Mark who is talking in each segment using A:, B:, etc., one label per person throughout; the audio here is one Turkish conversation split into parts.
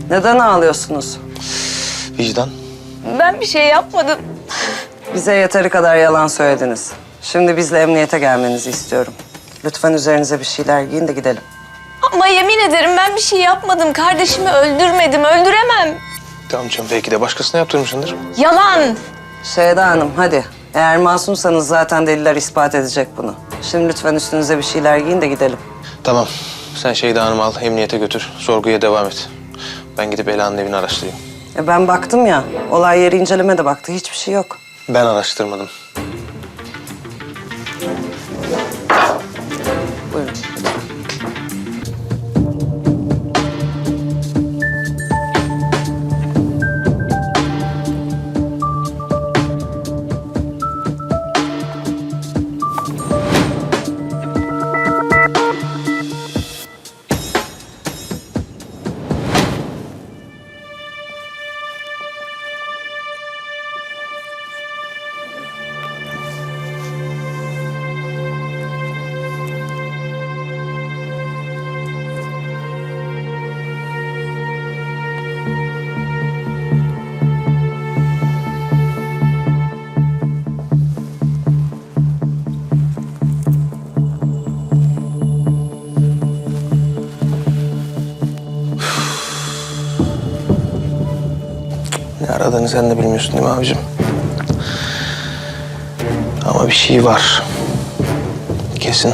A: Neden ağlıyorsunuz?
B: Vicdan.
C: Ben bir şey yapmadım.
A: Bize yeteri kadar yalan söylediniz. Şimdi bizle emniyete gelmenizi istiyorum. Lütfen üzerinize bir şeyler giyin de gidelim.
C: Ama yemin ederim ben bir şey yapmadım. Kardeşimi öldürmedim, öldüremem.
B: Tamam canım, belki de başkasına yaptırmışsındır.
C: Yalan.
A: Şeyda Hanım hadi. Eğer masumsanız zaten deliller ispat edecek bunu. Şimdi lütfen üstünüze bir şeyler giyin de gidelim.
B: Tamam, sen Şeyda Hanım'ı al, emniyete götür. Sorguya devam et. Ben gidip Ela'nın evini araştırayım.
A: Ben baktım ya, olay yeri inceleme de baktı. Hiçbir şey yok.
B: Ben araştırmadım.
A: Buyurun.
B: Ne aradığını sen de bilmiyorsun değil mi abicim? Ama bir şey var. Kesin.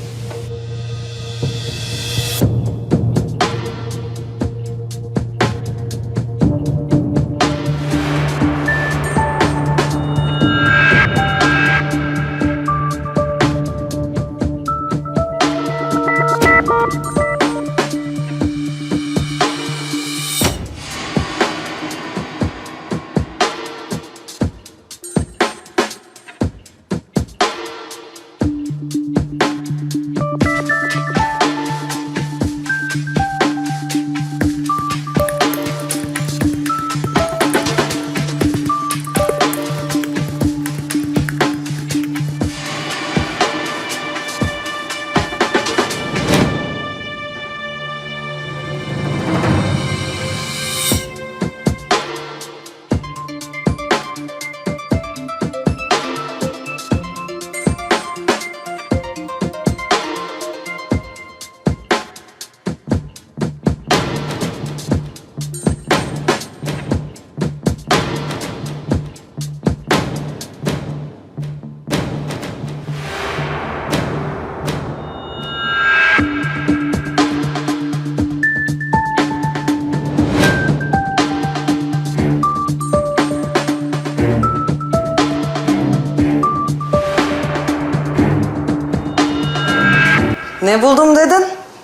A: Ne buldum dedin?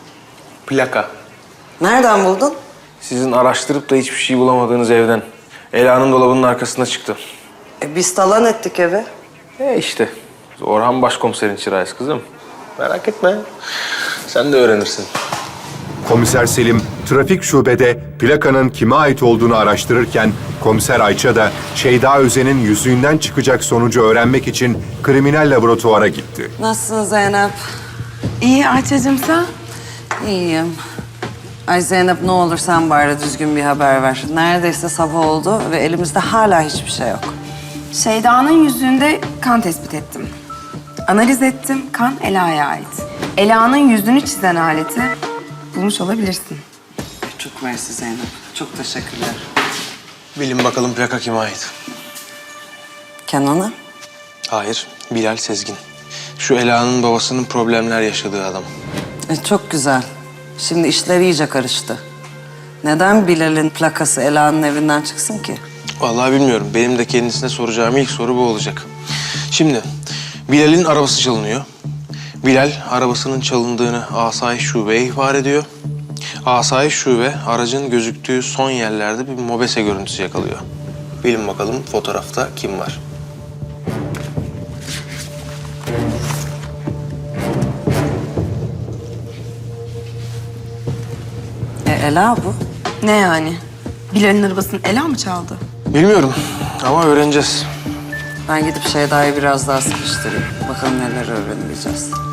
B: Plaka.
A: Nereden buldun?
B: Sizin araştırıp da hiçbir şey bulamadığınız evden. Ela'nın dolabının arkasında çıktı.
A: Biz talan ettik evi.
B: İşte. Orhan Başkomiserin çırağıyız kızım. Merak etme. Sen de öğrenirsin.
D: Komiser Selim, trafik şubede plakanın kime ait olduğunu araştırırken, Komiser Ayça da Şeyda Özen'in yüzüğünden çıkacak sonucu öğrenmek için kriminal laboratuvara gitti.
A: Nasılsın Zeynep?
E: İyi Ayça'cığım sen?
A: İyiyim. Ay Zeynep ne olur sen bari düzgün bir haber ver. Neredeyse sabah oldu ve elimizde hala hiçbir şey yok.
E: Şeyda'nın yüzüğünde kan tespit ettim. Analiz ettim, kan Ela'ya ait. Ela'nın yüzünü çizen aleti bulmuş olabilirsin.
A: Çok mersi Zeynep. Çok teşekkürler.
B: Bilin bakalım plaka kime ait?
A: Kenan'a?
B: Hayır, Bilal Sezgin. Şu Ela'nın babasının problemler yaşadığı adam.
A: Çok güzel. Şimdi işler iyice karıştı. Neden Bilal'in plakası Ela'nın evinden çıksın ki?
B: Vallahi bilmiyorum. Benim de kendisine soracağım ilk soru bu olacak. Şimdi Bilal'in arabası çalınıyor. Bilal arabasının çalındığını Asayiş Şube'ye ihbar ediyor. Asayiş Şube aracın gözüktüğü son yerlerde bir mobese görüntüsü yakalıyor. Bilin bakalım fotoğrafta kim var?
A: Ela bu.
E: Ne yani? Bilal'in arabasını Ela mı çaldı?
B: Bilmiyorum ama öğreneceğiz.
A: Ben gidip Şeyda'yı biraz daha sıkıştırayım. Bakalım neler öğrenebileceğiz.